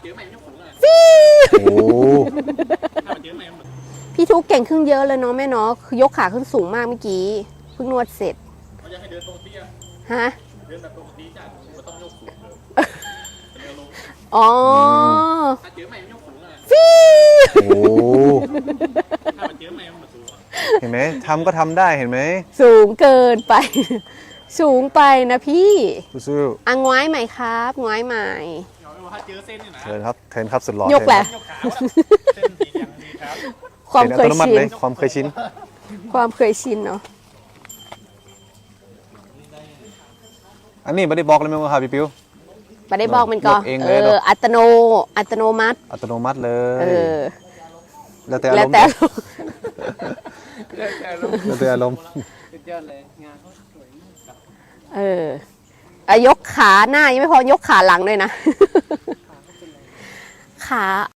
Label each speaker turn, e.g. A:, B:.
A: โอ้
B: พี่ทุกเก่งขึ้นเยอะเลยเนาะแม่เนาะคือยกขาขึ้นสูงมากเมื่อกี้เพิ่งนวดเสร็จฮะอ๋อฟี
A: โอ้เห็นไหมทำก็ทำได้เห็นไหม
B: สูงเกินไป สูงไปนะพี่
A: สู้
B: อ่ะง้อยใหม่ครับง้อยใหม่
A: ๆเชิญครับเทิร์นครับสุดหล่อย
B: กแหละ ความเคย
A: อัตโนมัติ
B: ชิน
A: เลยความเคยชิน
B: ความเคยชินเนาะ
A: อันนี้ไม่ได้บอกเลยไหมว่าครับพี่ปิ้ว
B: ไม่ได้บอกมันก็
A: ยกเองเลยเนอะ
B: อัตโนมัติ
A: อัตโนมัติเล
B: เอย อ
A: แล้วแต่อา
B: แล้
A: ร
B: ว
A: มณ์
B: แต่
A: แล้วแต่อารมณ์
B: ยกขาหน้ายังไม่พอยกขาหลังด้วยนะ ขา